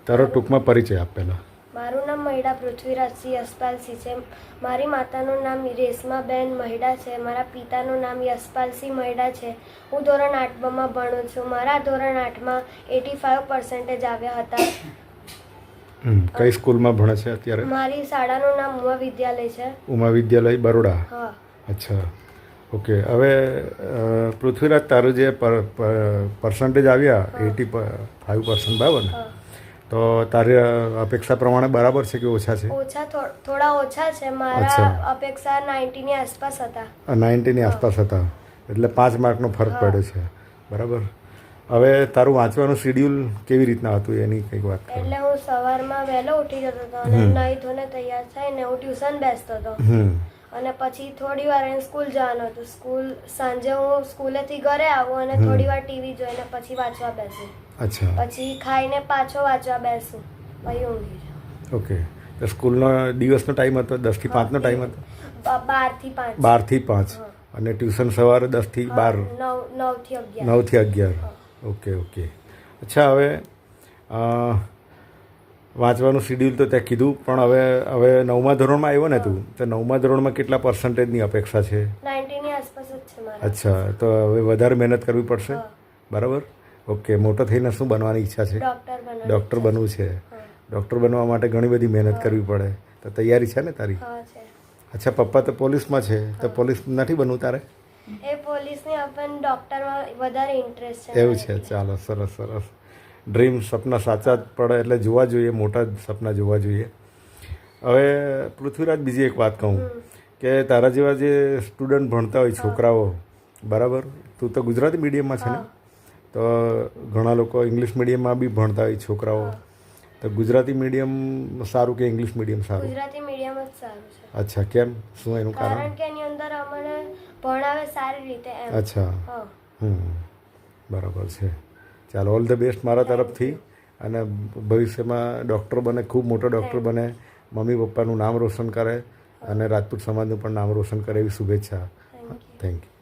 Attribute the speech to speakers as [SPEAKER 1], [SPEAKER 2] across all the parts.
[SPEAKER 1] તારો ટૂંકમાં પરિચય આપ પહેલાં.
[SPEAKER 2] મારું નામ મહિડા પૃથ્વીરાજસિંહ યશપાલસિંહ છે. મારી માતાનું નામ રેશમાબેન મહિડા છે. મારા પિતાનું નામ યશપાલસિંહ મહિડા છે. હું ધોરણ 8માં ભણું છું. મારા ધોરણ 8માં 85% આવ્યા હતા.
[SPEAKER 1] કઈ સ્કૂલમાં ભણે છે અત્યારે?
[SPEAKER 2] મારી શાળાનું નામ ઉમા વિદ્યાલય છે.
[SPEAKER 1] ઉમા વિદ્યાલય બરોડા.
[SPEAKER 2] હા.
[SPEAKER 1] અચ્છા, ઓકે. હવે પૃથ્વીરાજ, તારું જે પર્સન્ટેજ આવ્યા 85%, બરાબર ને? તો તારી અપેક્ષા પ્રમાણે બરાબર છે કે ઓછા છે?
[SPEAKER 2] થોડા ઓછા છે. મારા અપેક્ષા 90ની આસપાસ હતા.
[SPEAKER 1] 90ની આસપાસ હતા, એટલે 5 માર્કનો ફરક પડ્યો છે, બરાબર. હવે તારું વાંચવાનું શેડ્યુલ કેવી રીતના હતું એની કંઈક વાત કરો.
[SPEAKER 2] એટલે હું સવારમાં વહેલો ઉઠી જતો હતો અને નાહી ધોઈને તૈયાર થઈને હું ટ્યુશન બેસતો હતો. અને પછી થોડી વાર સ્કૂલ જવાનું હતું. સાંજે હું સ્કૂલેથી ઘરે આવું અને થોડી વાર ટીવી જોઈને પછી વાંચવા બેસું.
[SPEAKER 1] અચ્છા.
[SPEAKER 2] પછી ખાઈને પાછો વાંચવા બેસું, પછી ઊંઘી જાઉં.
[SPEAKER 1] ઓકે. તો સ્કૂલનો દિવસનો ટાઈમ હતો 10 થી 5નો ટાઈમ હતો?
[SPEAKER 2] 12 થી 5.
[SPEAKER 1] 12 થી 5. અને ટ્યુશન સવારે 10 થી 12?
[SPEAKER 2] 9 થી 11.
[SPEAKER 1] 9 થી 11. Okay okay. અચ્છા, હવે વાંચવાનું શેડ્યુલ તો ત્યાં કીધું, પણ હવે 9મા ધોરણમાં આવ્યો ને તું, તો 9મા ધોરણમાં કેટલા પર્સન્ટેજની અપેક્ષા છે?
[SPEAKER 2] 90ની આસપાસ જ છે મારા.
[SPEAKER 1] અચ્છા, તો હવે વધારે મહેનત કરવી પડશે, બરાબર. ઓકે. મોટો થઈને શું બનવાની ઈચ્છા છે? ડૉક્ટર બનવું છે. ડૉક્ટર બનવા માટે ઘણી બધી મહેનત કરવી પડે, તો તૈયારી છે ને તારી? અચ્છા, પપ્પા તો પોલીસમાં છે, તો પોલીસ નથી બનવું તારે?
[SPEAKER 2] એ પોલીસની પણ ડૉક્ટરમાં વધારે ઇન્ટરેસ્ટ છે.
[SPEAKER 1] એવું છે. ચાલો, સરસ સરસ. ડ્રીમ, સપના સાચા જ પડે એટલે જોવા જોઈએ, મોટા જ સપના જોવા જોઈએ. હવે પૃથ્વીરાજ, બીજી એક વાત કહું કે તારા જેવા જે સ્ટુડન્ટ ભણતા હોય, છોકરાઓ, બરાબર, તું તો ગુજરાતી મીડિયમમાં છે ને? તો ઘણા લોકો ઇંગ્લિશ મીડિયમમાં બી ભણતા હોય છોકરાઓ. તો ગુજરાતી મીડિયમ સારું કે ઇંગ્લિશ મીડિયમ સારું?
[SPEAKER 2] ગુજરાતી મીડિયમ જ સારું છે.
[SPEAKER 1] અચ્છા, કેમ? શું એનું કારણ?
[SPEAKER 2] કારણ કે એની અંદર અમને ભણાવે સારી રીતે એમ.
[SPEAKER 1] અચ્છા. બરાબર છે. ચાલો, ઓલ ધ બેસ્ટ મારા તરફથી. અને ભવિષ્યમાં ડૉક્ટર બને, ખૂબ મોટો ડૉક્ટર બને, મમ્મી પપ્પાનું નામ રોશન કરે અને રાજપૂત સમાજનું પણ નામ રોશન કરે, એવી શુભેચ્છા. Thank you.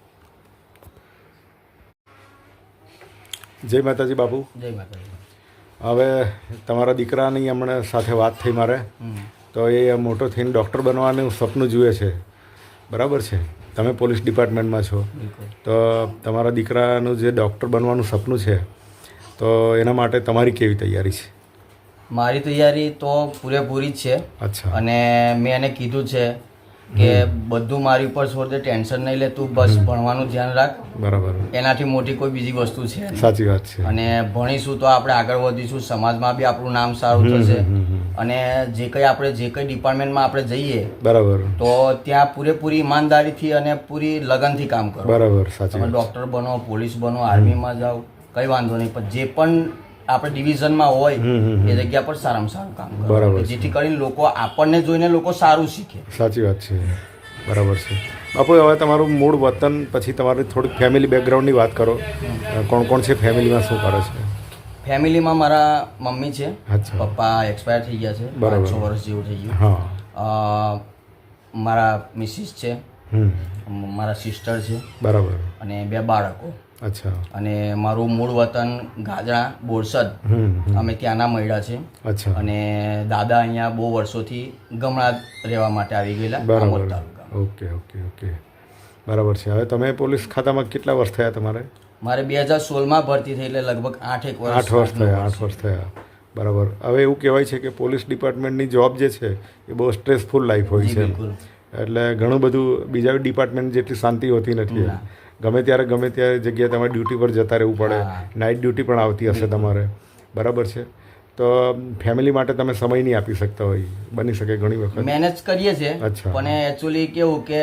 [SPEAKER 1] જય માતાજી બાપુ.
[SPEAKER 3] જય માતાજી.
[SPEAKER 1] હવે તમારા દીકરાની હમણાં સાથે વાત થઈ મારે, તો એ મોટો થઈને ડૉક્ટર બનવાનું સપનું જુએ છે, બરાબર છે? તમે પોલીસ ડિપાર્ટમેન્ટમાં છો, તો તમારા દીકરાનું જે ડૉક્ટર બનવાનું સપનું છે, તો એના માટે તમારી કેવી તૈયારી છે?
[SPEAKER 3] મારી તૈયારી તો પૂરેપૂરી જ છે.
[SPEAKER 1] અચ્છા.
[SPEAKER 3] અને મેં એને કીધું છે કે બધું મારી ઉપર છોડ દે, ટેન્શન નહીં લે, તું બસ ભણવાનું ધ્યાન રાખ.
[SPEAKER 1] બરાબર.
[SPEAKER 3] એનાથી મોટી કોઈ બીજી વસ્તુ છે નહીં.
[SPEAKER 1] સાચી વાત છે.
[SPEAKER 3] અને ભણીશું તો આપણે આગળ વધીશું, સમાજમાં બી આપણું નામ સારું થશે. અને જે કંઈ ડિપાર્ટમેન્ટમાં આપણે જઈએ,
[SPEAKER 1] બરાબર,
[SPEAKER 3] તો ત્યાં પૂરેપૂરી ઈમાનદારીથી અને પૂરી લગનથી કામ કરો.
[SPEAKER 1] બરાબર. સાચી
[SPEAKER 3] તમે
[SPEAKER 1] વાત.
[SPEAKER 3] ડૉક્ટર બનો, પોલીસ બનો, આર્મીમાં જાઓ, કંઈ વાંધો નહીં, પણ જે પણ આપણે ડિવિઝનમાં હોય એ જગ્યા પર સારામાં સારું કામ કરો,
[SPEAKER 1] બરાબર.
[SPEAKER 3] જેથી કરીને લોકો આપણને જોઈને લોકો સારું શીખે.
[SPEAKER 1] સાચી વાત છે, બરાબર છે. બાપુ, હવે તમારું મૂળ વતન, પછી તમારી થોડીક ફેમિલી બેકગ્રાઉન્ડની વાત કરો. કોણ કોણ છે ફેમિલીમાં, શું કરે છે?
[SPEAKER 3] ફેમિલીમાં મારા મમ્મી છે.
[SPEAKER 1] અચ્છા.
[SPEAKER 3] પપ્પા એક્સપાયર થઈ ગયા છે, 5-6 વર્ષ જેવું થઈ ગયું.
[SPEAKER 1] હા.
[SPEAKER 3] મારા મિસિસ છે, મારા સિસ્ટર છે,
[SPEAKER 1] બરાબર.
[SPEAKER 3] અને 2 બાળકો.
[SPEAKER 1] અચ્છા.
[SPEAKER 3] અને મારું મૂળ વતન ગાજણા, બોરસદ, અમે ત્યાંના મહિડા છે.
[SPEAKER 1] અચ્છા.
[SPEAKER 3] અને દાદા અહીંયા બહુ વર્ષોથી ગમણા રહેવા માટે આવી ગયેલા, Amod taluka.
[SPEAKER 1] Okay okay okay, બરાબર છે. હવે તમે પોલીસ ખાતામાં કેટલા વર્ષ થયા તમારે?
[SPEAKER 3] મારે 2016માં ભરતી થઈ, એટલે લગભગ 8 વર્ષ
[SPEAKER 1] થયા. 8 વર્ષ થયા, બરાબર. હવે એવું કહેવાય છે કે પોલીસ ડિપાર્ટમેન્ટની જોબ જે છે એ બહુ સ્ટ્રેસફુલ લાઈફ હોય છે, એટલે ઘણું બધું બીજા ડિપાર્ટમેન્ટ જેટલી શાંતિ હોતી નથી. ગમે ત્યારે જગ્યાએ તમારે ડ્યુટી પર જતા રહેવું પડે, નાઇટ ડ્યુટી પણ આવતી હશે તમારે, બરાબર છે? તો ફેમિલી માટે તમે સમય નહીં આપી શકતા હોય, બની શકે ઘણી વખત.
[SPEAKER 3] મેનેજ કરીએ છીએ, પણ એકચ્યુઅલી કેવું કે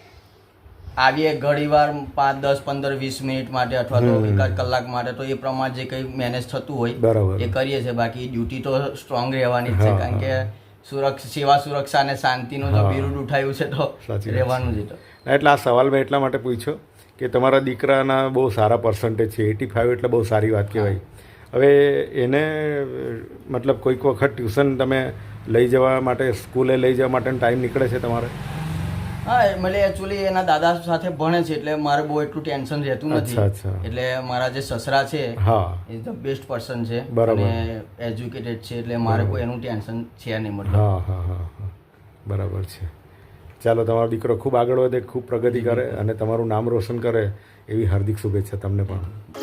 [SPEAKER 3] આવીએ ઘણીવાર 5, 10, 15, 20 મિનિટ માટે અથવા તો 1 કલાક માટે, તો એ પ્રમાણે જે કંઈ મેનેજ થતું હોય એ કરીએ છીએ. બાકી ડ્યુટી તો સ્ટ્રોંગ રહેવાની જ છે, કારણ કે સેવા, સુરક્ષા અને શાંતિનું જો બિરુદ ઉઠાવ્યું છે તો રહેવાનું જ.
[SPEAKER 1] એટલે આ સવાલ મેં એટલા માટે પૂછ્યો કે તમારા દીકરાના બહુ સારા પર્સન્ટેજ છે, 85 એટલે બહુ સારી વાત કહેવાય. હવે એને મતલબ કોઈક વખત ટ્યુશન તમે લઈ જવા માટે, સ્કૂલે લઈ જવા માટેનો ટાઈમ નીકળે છે તમારે?
[SPEAKER 3] હા એટલે એકચ્યુઅલી એના દાદા સાથે ભણે છે એટલે મારે બહુ એટલું ટેન્શન રહેતું નથી. એટલે મારા જે સસરા છે એ ધ બેસ્ટ પર્સન છે અને એજ્યુકેટેડ છે એટલે મારે કોઈ એનું ટેન્શન છે નહીં મતલબ.
[SPEAKER 1] હા બરાબર છે. ચાલો, તમારો દીકરો ખૂબ આગળ વધે, ખૂબ પ્રગતિ કરે અને તમારું નામ રોશન કરે એવી હાર્દિક શુભેચ્છા તમને પણ.